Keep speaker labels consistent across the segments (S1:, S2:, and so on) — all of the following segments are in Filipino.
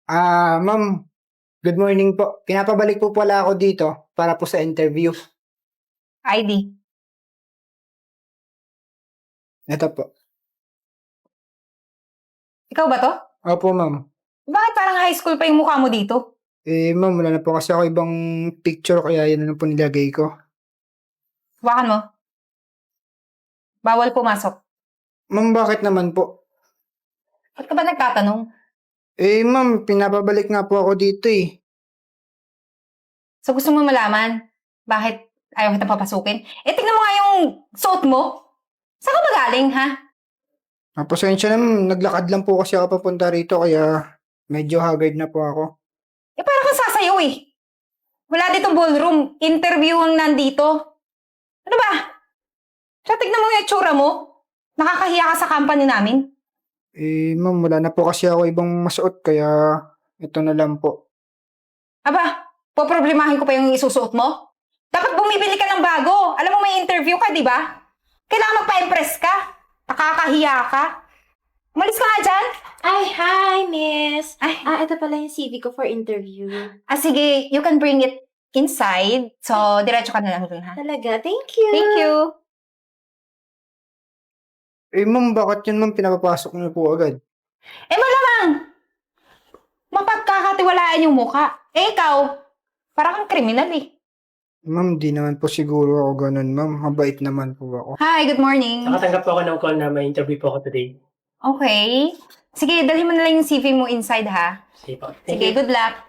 S1: Ma'am, good morning po. Pinapabalik po pala ako dito para po sa interview.
S2: ID.
S1: Ito po.
S2: Ikaw ba to?
S1: Opo, ma'am.
S2: Bakit parang high school pa yung mukha mo dito?
S1: Ma'am, wala na po kasi ako ibang picture kaya yan na lang po nilagay ko.
S2: Hawakan mo. Bawal pumasok.
S1: Ma'am, bakit naman po?
S2: Ba't ka ba nagtatanong?
S1: Ma'am, pinapabalik nga po ako dito eh.
S2: So gusto mo malaman bakit ayaw kitang papasukin? Tignan mo nga yung suot mo. Saan ka ba galing, ha?
S1: Pasensya na ma'am, naglakad lang po kasi ako papunta rito kaya medyo haggard na po ako.
S2: Parang kang sasayaw eh. Wala ditong ballroom. Interview ang nandito. Ano ba? Siya, tignan mo yung itsura mo. Nakakahiya ka sa company namin.
S1: Ma'am, wala na po kasi ako ibang masuot kaya ito na lang po.
S2: Aba, poproblemahin ko pa yung isusuot mo? Dapat bumibili ka ng bago. Alam mo may interview ka, di ba? Kailangan magpa-impress ka. Nakakahiya ka. Umalis ka nga dyan.
S3: Ay, hi, miss.
S2: Ay.
S3: Ito pala yung CV ko for interview.
S2: Sige, you can bring it inside. So, diretso ka na lang dun, ha?
S3: Talaga? Thank you.
S2: Thank you.
S1: Ma'am, bakit yun ma'am pinapapasok niyo po agad?
S2: Malamang! Mapagkakatiwalaan yung mukha. Ikaw, parang kang kriminal eh.
S1: Ma'am, di naman po siguro ako ganun ma'am. Mabait naman po ako.
S2: Hi, good morning.
S4: Nakatanggap po ako ng call na may interview po ako today.
S2: Okay. Sige, dalhin mo na lang yung CV mo inside, ha?
S4: Sige po.
S2: Sige, good luck.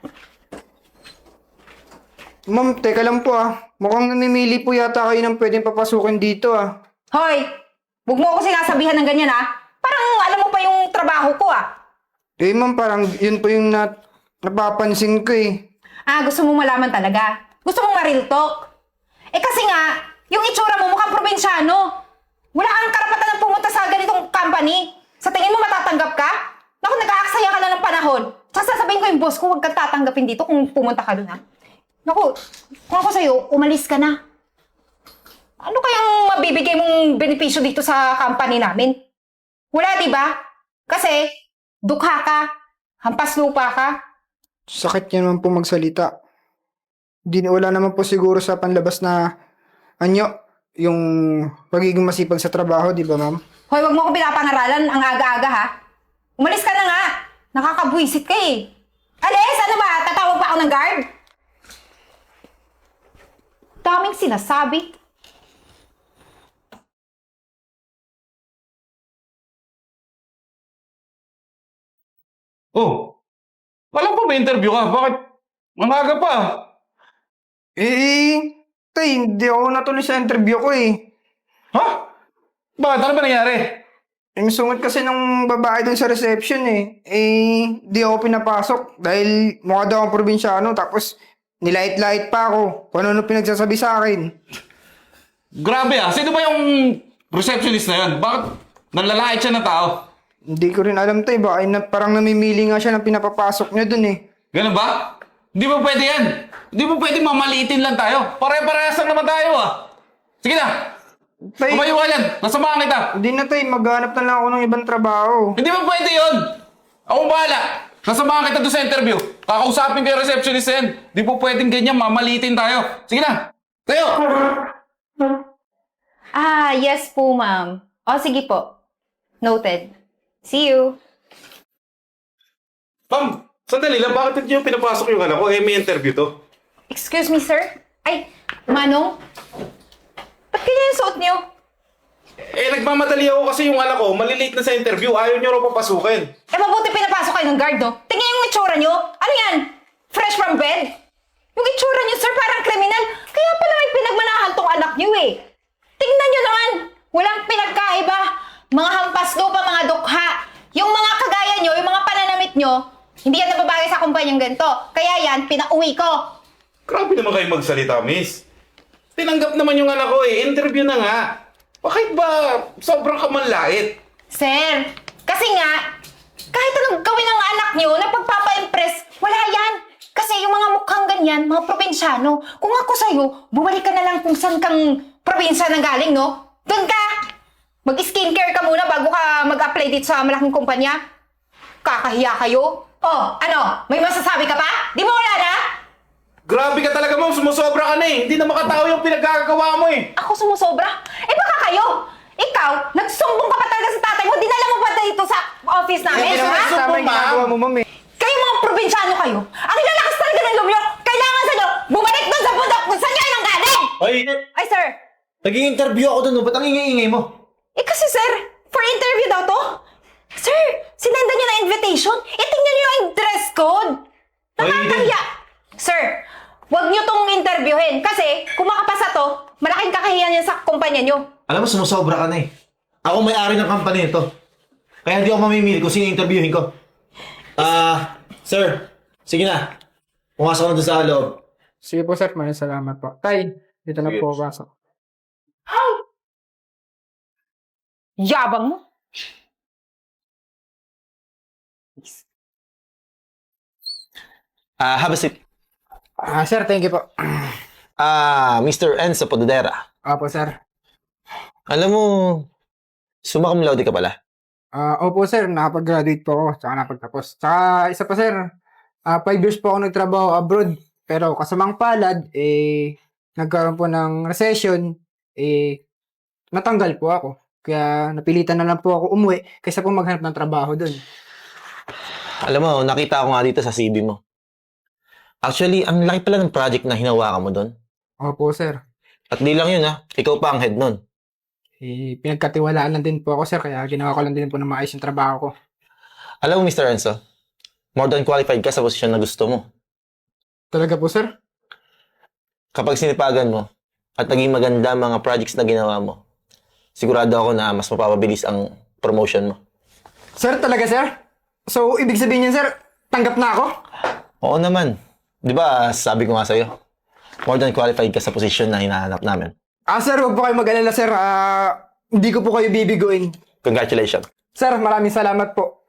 S1: Ma'am, teka lang po ah. Mukhang namimili po yata kayo ng pwedeng papasukin dito ah.
S2: Hoy! Huwag mo ako sinasabihan ng ganyan, ha? Parang alam mo pa yung trabaho ko, ah.
S1: Ma'am, parang yun po yung napapansin ko eh.
S2: Gusto mo malaman talaga? Gusto mong ma-real talk? Kasi nga, yung itsura mo mukhang probinsyano. Wala kang karapatan na pumunta sa ganitong company. Sa tingin mo matatanggap ka? Naku, nag-aaksaya ka lang ng panahon. Tsaka sasabihin ko yung boss ko, huwag kang tatanggapin dito kung pumunta ka dun, ha? Naku, kung ako sa'yo, umalis ka na. Ano kayang mabibigay mong benepisyo dito sa company namin? Wala, di ba? Kasi, dukha ka, hampas lupa ka.
S1: Sakit niya naman po magsalita. Wala naman po siguro sa panlabas na yung pagiging masipag sa trabaho, di ba ma'am?
S2: Hoy, wag mo ko pinapangaralan ang aga-aga, ha? Umalis ka na nga. Nakakabwisit ka eh. Alis, ano ba? Tatawag pa ako ng guard? Daming sinasabi.
S5: Oh, alam ko may interview ka. Bakit? Mamaga pa.
S1: Tay, hindi ako natuloy sa interview ko eh.
S5: Ha? Bakit? Ano ba nangyari?
S1: Yung sungot kasi ng babae dun sa reception eh. Di ako pinapasok dahil mukha daw akong probinsyano tapos nilait-lait pa ako kung ano pinagsasabi sa akin.
S5: Grabe ah. Sino ba yung receptionist na yan? Bakit nanlalait siya ng tao?
S1: Hindi ko rin alam tay, baka parang namimili nga siya ng pinapapasok niya dun eh.
S5: Ganun ba? Hindi ba pwede yan? Hindi ba pwede mamaliitin lang tayo? Pare-parehas lang naman tayo ah. Sige na.
S1: Tay,
S5: Tumayo ka dyan. Nasamahan kita.
S1: hindi na tay, maghanap na lang ako ng ibang trabaho.
S5: Hindi ba pwede yun? Akong bahala. Nasamahan kita doon sa interview. Kakausapin ko yung receptionist na yan. Di po pwedeng ganyan, mamaliitin tayo. Sige na. Tayo.
S2: Yes po, ma'am. Sige po. Noted. See you.
S6: Ma'am, sandali lang. Bakit hindi yung pinapasok yung anak ko? May interview to.
S2: Excuse me, sir? Ay, Manong? Ba't ganyan yung suot niyo?
S6: Nagmamadali ako kasi yung anak ko, malilate na sa interview. Ayaw niyo raw papasukin.
S2: Mabuti pinapasok kayo ng guard, no? Tingnan yung itsura niyo. Ano yan? Fresh from bed? Yung itsura niyo, sir, parang kriminal. Kaya pala may pinagmanahan tong anak niyo, eh. Tingnan niyo naman. Walang pinagkaiba. Mga hampas lupa, mga dukha. Yung mga kagaya niyo, yung mga pananamit niyo, hindi yan nababagay sa kumpanyang ganito. Kaya yan, pinauwi ko.
S6: Grabe naman kayo magsalita, miss. Tinanggap naman yung anak ko eh. Interview na nga. Bakit ba sobrang kamanlait?
S2: Sir, kasi nga, kahit anong gawin ng anak niyo na pagpapa-impress, wala yan. Kasi yung mga mukhang ganyan, mga probinsyano, kung ako sa'yo, bumalik ka na lang kung saan kang probinsya nang galing, no? Doon ka! Mag-skincare ka muna bago ka mag-apply dito sa malaking kumpanya. Kakahiya kayo. Oh, ano? May masasabi ka pa? Di mo wala na?
S6: Grabe ka talaga, ma'am. Sumusobra ka na eh. Hindi na makatao yung pinaggagawa mo eh.
S2: Ako sumusobra? Eh baka kayo? Ikaw, nagsumbong ka pa talaga sa tatay mo, dinala mo pa dito sa office namin,
S1: Hindi naman
S2: ha?
S1: kasama yung ginagawa mo, ma'am eh.
S2: Kayo mga probinsyano kayo, ang lalakas talaga ng loob nyo, kailangan sa nyo, bumalik doon sa bundok kung saan nyo nang galing! Ay, sir!
S7: Naging interview ako doon, ba't ang ingay-ingay mo?
S2: Eh kasi sir, for interview daw to? Sir, sinenda nyo na invitation? Eh tingnan nyo yung dress code! Nakakahiya! Sir, huwag nyo tong interviewin kasi kung makapasa to, malaking kakahiyan yan sa kumpanya nyo.
S7: Alam mo, sumusobra ka na eh. Ako may-ari ng company nito. Kaya hindi ako mamimili kung sino interviewin ko. Sir, sige na. Pumasok ka na doon sa loob.
S1: Sige po, sir. Maraming salamat po. Tay, dito na
S6: Sige.
S1: po pasok.
S2: Yabang mo!
S7: Have a seat.
S1: Sir, thank you po.
S7: Mr. Enzo Pododera.
S1: Opo, sir.
S7: Alam mo, summa cum laude ka pala.
S1: Opo, sir. Nakapag-graduate po ako. Tsaka napagtapos. Tsaka isa pa, sir. 5 years po ako nagtrabaho abroad. Pero kasamang palad, nagkaroon po ng recession, natanggal po ako. Kaya napilitan na lang po ako umuwi kaysa po maghanap ng trabaho doon.
S7: Alam mo, nakita ko nga dito sa CV mo. Actually, ang laki pala ng project na hinawakan mo doon.
S1: Opo, sir.
S7: At di lang yun ikaw pa ang head nun.
S1: Pinagkatiwalaan lang din po ako, sir. Kaya ginawa ko lang din po na maayos yung trabaho ko.
S7: Alam mo, Mr. Enzo, more than qualified ka sa posisyon na gusto mo.
S1: Talaga po, sir?
S7: Kapag sinipagan mo at naging maganda ang mga projects na ginawa mo, sigurado ako na mas mapapabilis ang promotion mo.
S1: Sir, talaga, sir? So, ibig sabihin niyan, sir, tanggap na ako?
S7: Oo naman. Di ba, sabi ko nga sa'yo, more than qualified ka sa posisyon na hinahanap namin.
S1: Sir, huwag po kayo mag-alala, sir. Hindi ko po kayo bibiguin.
S7: Congratulations.
S1: Sir, maraming salamat po.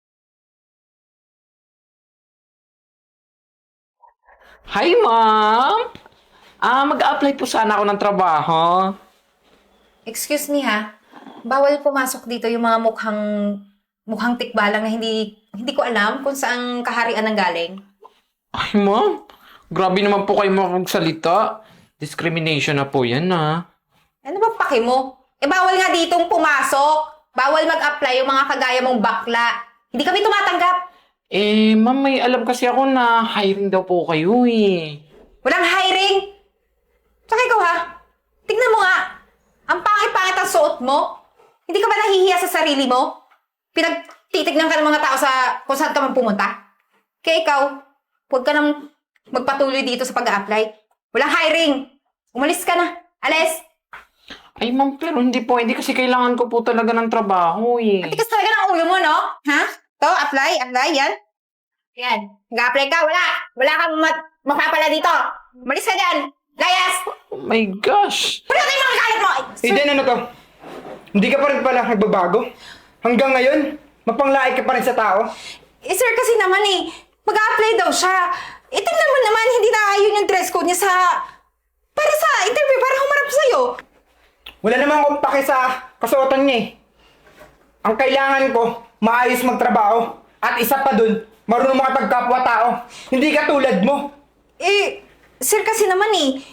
S8: Hi, ma'am! Mag-a-apply po sana ako ng trabaho.
S2: Excuse me ha, bawal pumasok dito yung mga mukhang tikbalang na hindi ko alam kung saan kaharian ang galing.
S8: Ay, ma'am. Grabe naman po kayo magsalita. Discrimination na po yan,
S2: Ano ba pake mo? Bawal nga ditong pumasok. Bawal mag-apply yung mga kagaya mong bakla. Hindi kami tumatanggap.
S8: Ma'am, may alam kasi ako na hiring daw po kayo,
S2: Walang hiring. Tsaka ikaw ha, tignan mo nga. Ang pangit-pangit ang suot mo. Hindi ka ba nahihiya sa sarili mo? Pinagtitignan ka ng mga tao sa kung saan ka man pumunta. Kaya ikaw, huwag ka nang magpatuloy dito sa pag-a-apply. Walang hiring. Umalis ka na. Alis.
S8: Ay, ma'am, pero hindi po. Hindi kasi kailangan ko po talaga ng trabaho,
S2: Tikas talaga ng ulo mo, no? Ha? To, apply, yan. Yan. Nag-apply ka, wala. Wala kang mapapala dito. Umalis ka dyan. Layas.
S8: Oh my gosh!
S2: Wala kayo mga kalat mo.
S1: Eden, ano to? Hindi ka pa rin pala nagbabago? Hanggang ngayon, mapanglaik ka pa rin sa tao?
S2: Sir, kasi naman mag-a-apply daw siya. Tingnan mo naman, hindi na yun yung dress code niya para sa interview, para humarap sa'yo.
S1: Wala namang akong pake sa kasuotan niya eh. Ang kailangan ko, maayos magtrabaho. At isa pa dun, marunong makapagkapwa-tao. Hindi ka tulad mo.
S2: Sir, kasi naman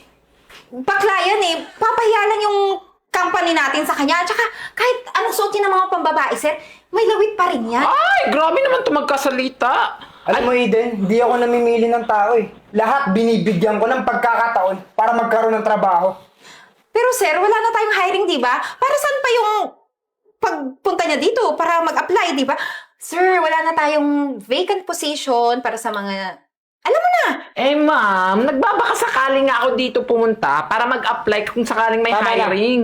S2: bakla yan papahiya lang yung company natin sa kanya. At saka, kahit anong suot niya ng mga pambabae, sir, may lawit pa rin yan.
S8: Ay, grabe naman ito magkasalita.
S1: Alam mo, Eden, hindi ako namimili ng tao eh. Lahat binibigyan ko ng pagkakataon para magkaroon ng trabaho.
S2: Pero sir, wala na tayong hiring, di ba? Para saan pa yung pagpunta niya dito para mag-apply, di ba? Sir, wala na tayong vacant position para sa mga... Alam mo na!
S8: Ma'am, nagbabaka sakali nga ako dito pumunta para mag-apply kung sakaling may
S1: Tama lang.
S8: hiring.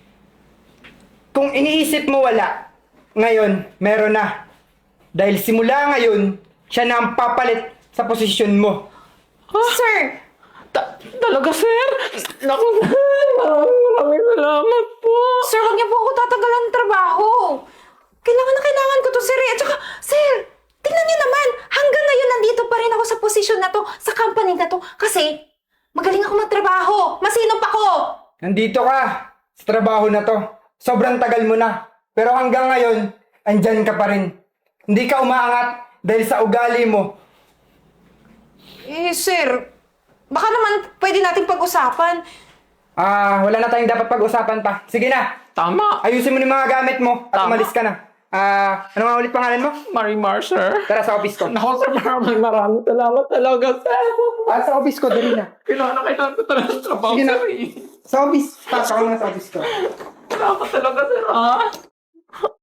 S1: Kung iniisip mo wala, ngayon, meron na. Dahil simula ngayon, siya na ang papalit sa posisyon mo.
S2: Sir!
S8: Talaga, sir? Naku, sir. Maraming salamat po.
S2: Sir, wag niyo po ako tatanggalan ng trabaho. Kailangan na kailangan ko to, sir. At saka, sir, tingnan niyo naman. Hanggang ngayon, nandito pa rin ako sa posisyon na to, sa company na to. Kasi, magaling ako magtrabaho. Masinop ako.
S1: Nandito ka sa trabaho na to. Sobrang tagal mo na. Pero hanggang ngayon, andyan ka pa rin. Hindi ka umaangat, Dahil sa ugali mo.
S2: Eh, sir, baka naman pwede natin pag-usapan.
S1: Wala na tayong dapat pag-usapan pa. Sige na,
S8: Tama.
S1: ayusin mo yung mga gamit mo at
S8: Tama.
S1: umalis ka na. Ano nga ulit pangalan mo?
S8: Marimar, sir.
S1: Tara sa office ko.
S8: Naku, sir, maraming salamat talaga, sir.
S1: Sa office ko, dali na.
S8: Kailangan ko talaga ng trabaho,
S1: Sige na.
S8: sir.
S1: Sa office. Pasok ka na sa office ko.
S8: Salamat talaga, sir, ha?